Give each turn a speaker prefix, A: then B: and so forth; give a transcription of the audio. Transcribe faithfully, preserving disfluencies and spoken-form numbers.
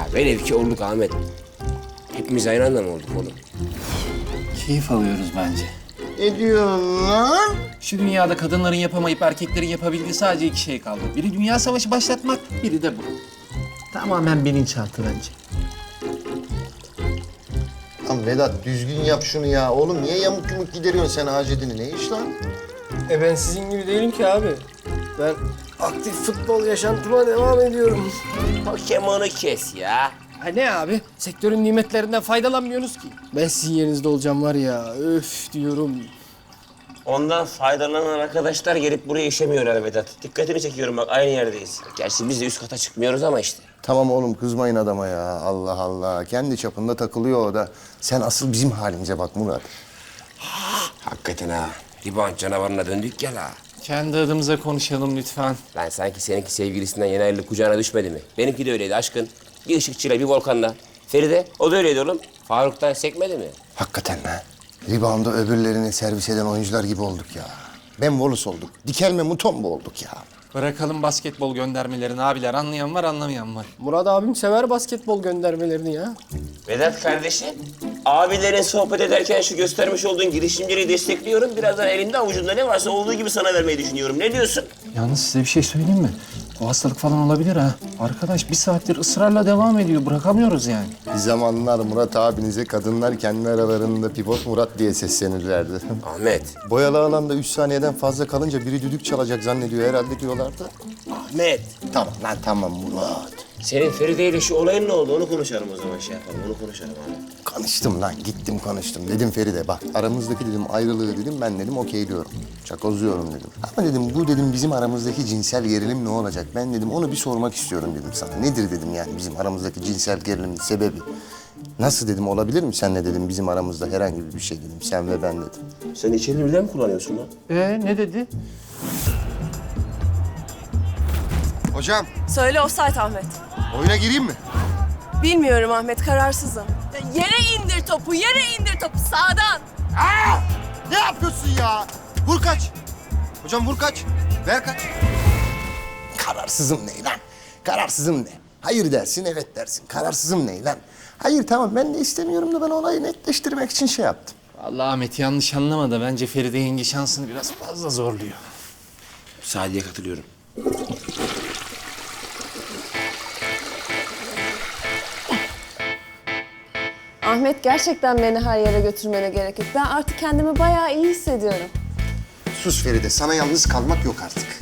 A: Velev ki olduk Ahmet. Hepimiz aynı anda mı olduk oğlum?
B: Keyif alıyoruz bence.
C: Ne diyorsun lan?
B: Şu dünyada kadınların yapamayıp erkeklerin yapabildiği sadece iki şey kaldı. Biri dünya savaşı başlatmak, biri de bu. Tamamen bilinçaltı bence.
C: Lan Vedat düzgün yap şunu ya. Oğlum niye yamuk yumuk gideriyorsun sen Hacettin'i? Ne iş lan?
D: E ben sizin gibi değilim ki abi. Ben aktif futbol yaşantıma devam ediyorum.
A: Pokemon'u kes ya.
D: Ha ne abi? Sektörün nimetlerinden faydalanmıyorsunuz ki. Ben sizin yerinizde olacağım var ya. Öf diyorum.
A: Ondan faydalanan arkadaşlar gelip buraya işemiyorlar Vedat. Dikkatini çekiyorum bak aynı yerdeyiz. Gerçi biz de üst kata çıkmıyoruz ama işte.
C: Tamam oğlum kızmayın adama ya. Allah Allah. Kendi çapında takılıyor o da. Sen asıl bizim halimize bak Murat.
A: Hakikaten ha. Rebound canavarına döndük ya la.
B: Kendi adımıza konuşalım lütfen.
A: Lan sanki seninki sevgilisinden yeni ayrılık kucağına düşmedi mi? Benimki de öyleydi aşkın. Bir ışıkçıyla bir volkanla. Feride o da öyleydi oğlum. Faruk'tan sekmedi mi?
C: Hakikaten ha. Rebound'da öbürlerini servis eden oyuncular gibi olduk ya. Ben Wallace olduk. Dikelme Mutombo olduk ya.
B: Bırakalım basketbol göndermelerini abiler. Anlayan var, anlamayan var.
D: Murat abim sever basketbol göndermelerini ya.
A: Vedat kardeşim, abilerin sohbet ederken şu göstermiş olduğun girişimleri destekliyorum. Birazdan elinde avucunda ne varsa olduğu gibi sana vermeyi düşünüyorum. Ne diyorsun?
B: Yalnız size bir şey söyleyeyim mi? O hastalık falan olabilir ha. Arkadaş bir saattir ısrarla devam ediyor. Bırakamıyoruz yani.
C: Bir zamanlar Murat abinize kadınlar kendi aralarında pivot Murat diye seslenirlerdi.
A: Ahmet,
C: Boyalı alanda üç saniyeden fazla kalınca biri düdük çalacak zannediyor herhalde diyorlardı.
A: Ahmet.
C: Tamam lan tamam Murat.
A: Senin Feride ile şu olayın ne oldu? Onu konuşalım o zaman şey yapalım. Onu konuşalım abi.
C: Konuştum lan gittim konuştum. Dedim Feride bak aramızdaki dedim ayrılığı dedim ben dedim okeyliyorum. Çakozluyorum dedim. Ama dedim bu dedim bizim aramızdaki cinsel gerilim ne olacak? Ben dedim onu bir sormak istiyorum dedim sana. Nedir dedim yani bizim aramızdaki cinsel gerilimin sebebi? Nasıl dedim olabilir mi senle dedim bizim aramızda herhangi bir şey dedim sen ve ben dedim.
A: Sen içeri birden mi kullanıyorsun lan?
B: Ee ne dedi?
C: Hocam
E: Söyle offside Ahmet.
C: oyuna gireyim mi?
E: Bilmiyorum Ahmet, kararsızım. Yere indir topu, yere indir topu sağdan.
C: Aa! Ne yapıyorsun ya? Vur kaç. Hocam vur kaç. Ver kaç. Kararsızım ne lan? Kararsızım ne? Hayır dersin, evet dersin. Kararsızım ne lan? Hayır tamam ben de istemiyorum da ben olayı netleştirmek için şey yaptım.
B: Vallahi Ahmet yanlış anlama da bence Feride yenge şansını biraz fazla zorluyor.
A: Sadiye katılıyorum.
E: Ahmet gerçekten beni her yere götürmene gerek yok. Ben artık kendimi bayağı iyi hissediyorum.
C: Sus Feride, sana yalnız kalmak yok artık.